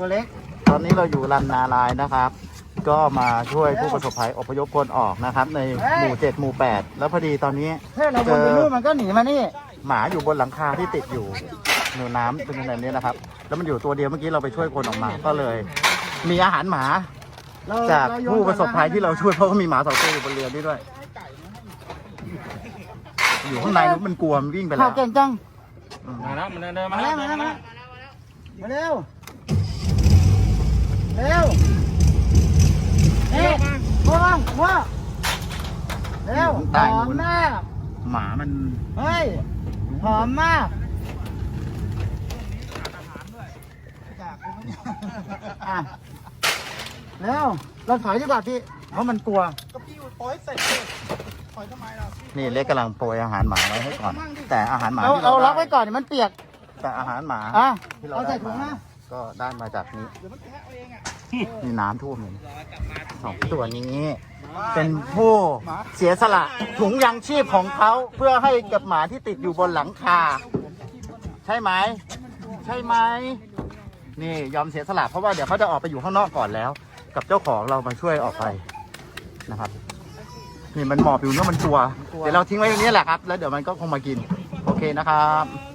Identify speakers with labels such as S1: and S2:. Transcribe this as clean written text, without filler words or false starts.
S1: ตัวเล็ก
S2: ตอนนี้เราอยู่ลำนาลายนะครับ ก็มาช่วยผู้ประสบภัยอพยพคนออกนะครับ ในหมู่7หมู่8แล้วพอดีตอนนี้
S1: เราวนไปนู่นมันก็หนีมานี่
S2: หมาอยู่บนหลังคาที่ติดอยู่หนูน้ำเป็นแบบนี้นะครับแล้วมันอยู่ตัวเดียวเมื่อกี้เราไปช่วยคนออกมาก็เลย มีอาหารหมาจากผู้ประสบภัยที่เราช่วยเพราะว่ามีหมา2 ตัวอยู่บนเรือนี่ด้วยอยู่ข้างในมันกลัวมันวิ่งไปแล้ว
S1: เก่งจัง
S3: มาแล้วมันเดินมา
S1: แล้วมาเร็วเร็วว้าเร็วหอมมาก
S2: หมามัน
S1: เฮ้ยหอมมากเร็วเราถอยดีกว่าพี่เพราะมันกลัว
S3: ก็พี่ปล่อยเสร็จปล่อยทำไมล่ะ
S2: นี่เล็กกำลังโปรยอาหารหมาไว้ให้ก่อนแต่อาหารหมา
S1: เราล็อกไว้ก่อนมันเปียก
S2: แต่อาหารหมา
S1: ที่เราได้มา
S2: ก็ได้มาจากนี้นี่น้ำท่วมเลย2 ตัวนี้เป็นผู้เสียสละถุงยางชีพของเขาเพื่อให้กับหมาที่ติดอยู่บนหลังคาใช่ไหมนี่ยอมเสียสละเพราะว่าเดี๋ยวเขาจะออกไปอยู่ข้างนอกก่อนแล้วกับเจ้าของเรามาช่วยออกไปนะครับนี่มันหมอบอยู่เนื้อมันกลัวเดี๋ยวเราทิ้งไว้ตรงนี้แหละครับแล้วเดี๋ยวมันก็คงมากินโอเคนะครับ